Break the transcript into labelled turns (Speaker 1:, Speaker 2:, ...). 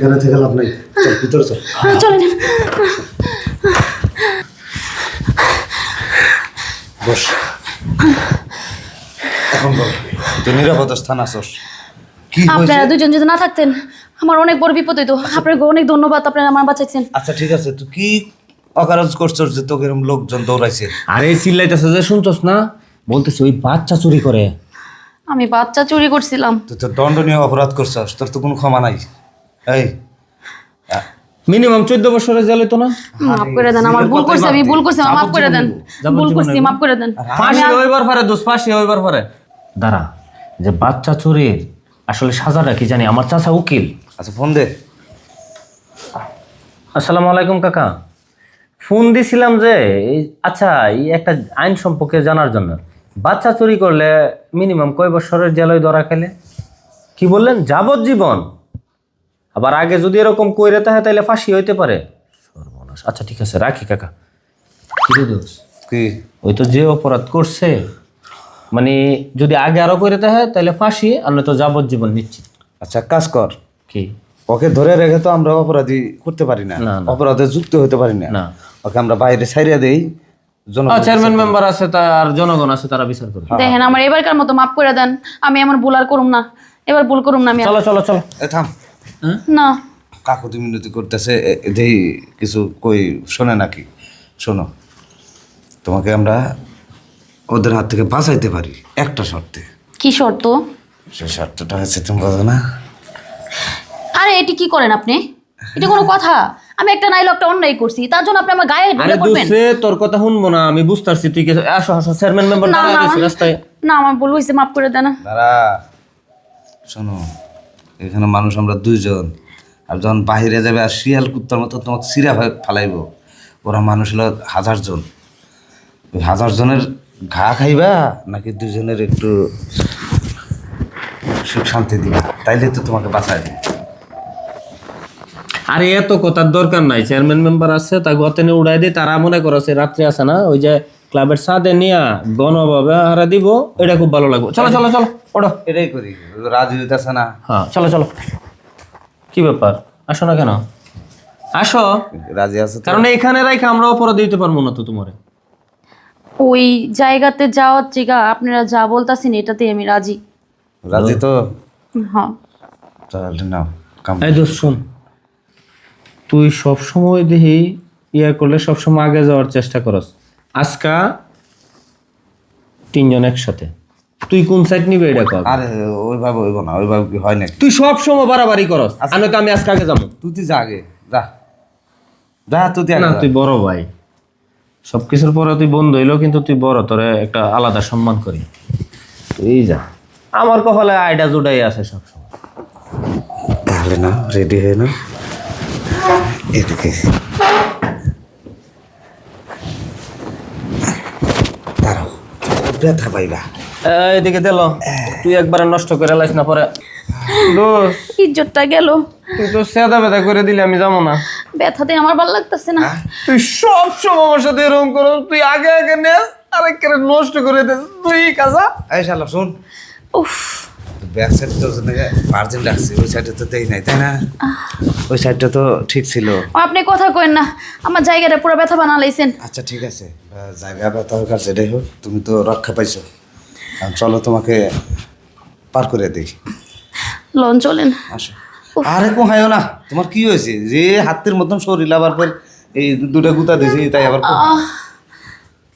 Speaker 1: এখানে থেকে লাভ নাই, চল ভিতরে চল।
Speaker 2: চলেন।
Speaker 1: বস। এখন বল, তুই নিরাপদ স্থান আসস। কি হয়েছে?
Speaker 2: আপনারা দুজন যদি না থাকতেন আমার অনেক বড় বিপদ হইতো। আপনাকে অনেক ধন্যবাদ, আপনারা আমার বাঁচাইছেন।
Speaker 1: আচ্ছা ঠিক আছে, তুই কি অকারজ করছস যে তোকে এরকম লোকজন দৌড়াইছে?
Speaker 3: আরে চিল্লাইতেছে যে শুনছস না, বলতেছে ওই বাচ্চা চুরি করে।
Speaker 2: আমি বাচ্চা চুরি করছিলাম।
Speaker 1: তুই তো দণ্ডনীয় অপরাধ করছস, তোর তো কোনো ক্ষমা নাই। এই
Speaker 3: মিনিমাম 14 বছরের জেল হইতো না?
Speaker 2: মাফ করে দেন, আমার ভুল করছি, আমি ভুল করছি, মাফ করে দেন। ভুল করছি, মাফ করে দেন।
Speaker 3: ফাঁসি হইবার পারে দোষ, ফাঁসি হইবার পারে। দাঁড়া, যে বাচ্চা চুরির আসলে সাজাটা কি জানি? আমার চাচা উকিল।
Speaker 1: আচ্ছা ফোন দে।
Speaker 3: আসসালামু আলাইকুম কাকা, ফোন দিছিলাম যে আচ্ছা এই একটা আইন সম্পর্কে জানার জন্য। বাচ্চা চুরি করলে মিনিমাম কয় বছরের জেল ধরা খেলে? কি বললেন? যাবজ্জীবন? আবার আগে যদি এরকম কইরে থাকে তাহলে ফাঁসি হইতে পারে। সর্বনাশ। আচ্ছা ঠিক আছে, রাখি কাকা। কি দোষ?
Speaker 1: কি?
Speaker 3: ওই তো যে অপরাধ করছে, মানে যদি আগে আরো কইরে থাকে তাহলে ফাঁসি, আর নয়তো যাবজ্জীবন নিশ্চিত।
Speaker 1: আচ্ছা কাজ কর,
Speaker 3: কি?
Speaker 1: ওকে ধরে রেখে তো আমরা অপরাধী করতে পারি না,
Speaker 3: না, না।
Speaker 1: অপরাধে যুক্ত হতে পারি না।
Speaker 3: না।
Speaker 1: ওকে আমরা বাইরে ছাইড়া দেই,
Speaker 3: চেয়ারম্যান মেম্বার আছে আর জনগণ আছে, তারা বিচার করবে।
Speaker 2: দেখেন আমার এবারকার মতো মাফ করে দেন, আমি এমন ভুল আর করুম না, এবার ভুল করুম না আমি আর।
Speaker 3: চলো চলো চলো।
Speaker 1: থাম।
Speaker 2: না
Speaker 1: কাকুতি মিনতি করতেছে, দেই কিছু কই শোনে নাকি? শোনো, তোমাকে আমরা ওদের হাত থেকে বাঁচাইতে পারি একটা শর্তে।
Speaker 2: কি শর্ত?
Speaker 1: সে শর্তটা হচ্ছে, তুমি বোঝো না?
Speaker 2: আরে এটি কি করেন আপনি? এটা কোনো কথা? আমি একটা নাইলো একটা অন্যায় করছি, তার জন্য আপনি আমার গায়ে
Speaker 3: আরে
Speaker 2: ঢুকে পড়বেন?
Speaker 3: দোষে তোর কথা শুনবো না, আমি বুঝতে পারছি। তুই কি আসো আসো, চেয়ারম্যান মেম্বার
Speaker 2: না
Speaker 3: দাঁড়ায়
Speaker 2: না
Speaker 3: গেছে রাস্তায়।
Speaker 2: না, আমার ভুল হয়েছে, মাফ করে দেন।
Speaker 1: দাঁড়া, শোনো, এখানে মানুষ আমরা দুইজন, আর যখন বাহিরে যাবে আর শিয়াল কুত্তার মতো তোমাকে সিরা ফালাইব, ওরা মানুষ হলো 1000 জন। ওই 1000 জনের ঘা খাইবা নাকি দুজনের একটু সুখ শান্তি দিবা? তাইলে তো তোমাকে বাঁচায় দিবে।
Speaker 3: আরে এত কথার দরকার নাই, চেয়ারম্যান মেম্বার আছে, তা গতেনে উড়াই দিয়ে তারা মনে করছে রাত্রে আছে না, ওই যে ক্লাবের সাদে নিয়া গণভাবে হারা দিব, এটা খুব ভালো লাগবে। চলো চলো চলো, ওঠো।
Speaker 1: এটাই করি, রাজি হইতেছে না।
Speaker 3: হ্যাঁ চলো চলো। কি ব্যাপার, আসো না কেন? আসো।
Speaker 1: রাজি আছে তো?
Speaker 3: কারণ এখানে রাইখে আমরা অপরাধ দিতে পারবো না তো তোমারে।
Speaker 2: ওই জায়গাতে যাওয়ার জায়গা আপনারা যা বলতাছেন এটাতে আমি রাজি।
Speaker 1: রাজি তো?
Speaker 2: হ্যাঁ।
Speaker 1: তাহলে নাও কাম।
Speaker 3: এই দোস্ত শোন, তুই সবসময় দেখি করলে সবসময় আগে যাওয়ার চেষ্টা করস। আজকা 3 জন একসাথে, তুই কোন সাইড নিবে এটা কর।
Speaker 1: আরে ওইভাবে হইব না, ওইভাবে কি হয় নাকি?
Speaker 3: তুই সব সময় বাড়াবাড়ি করস, আর নয়তো আমি আজকে আগে যাবো।
Speaker 1: তুই যা আগে, যা যা, তুই
Speaker 3: না
Speaker 1: আগে
Speaker 3: তুই বড় ভাই, সবকিছুর পরে তুই বন্ধু হইলেও কিন্তু তুই বড়, তোরে একটা আলাদা সম্মান করি। তুই যা, আমার কপালে আইডা জুডাই আছে সবসময়।
Speaker 1: তাহলে না, রেডি হয়ে না, এদিকে দাঁড়াও, ব্যথা পাইবা।
Speaker 3: এদিকে দিল, তুই একবারে নষ্ট করে লাইস না পরে। দোষ,
Speaker 2: ইজ্জতটা গেল,
Speaker 3: তুই তো সেদা বেদা করে দিলে, আমি যাবো না।
Speaker 2: ব্যথাতে আমার ভালো লাগতেছে না।
Speaker 3: তুই সব সময় আমার সাথে এরকম করো, তুই আগে আগে নেস আরেক করে নষ্ট করে দে তুই কাজা।
Speaker 1: এই শালা শোন,
Speaker 2: উফ,
Speaker 1: ব্যাক সাইড তো মার্জিন রাখছি, ওই সাইডে তো দেই নাই, তাই না? ওই সাইডটা তো ঠিক ছিল।
Speaker 2: আপনি কথা কইন না, আমার জায়গাটা পুরো ব্যথা বানালাইছেন।
Speaker 1: আচ্ছা ঠিক আছে, জায়গা ব্যথা হোক আর যেটাই হোক, তুমি তো রক্ষা পাইছো। চলো তোমাকে পার করে দিই।
Speaker 2: লন চলেন।
Speaker 1: আসো। আরে কোহায়ও না, তোমার কি হয়েছে? যে হাতের মতন শরীর, আবার ফের এই দুটা গুতা দিয়েছি, তাই আবার কোহায়?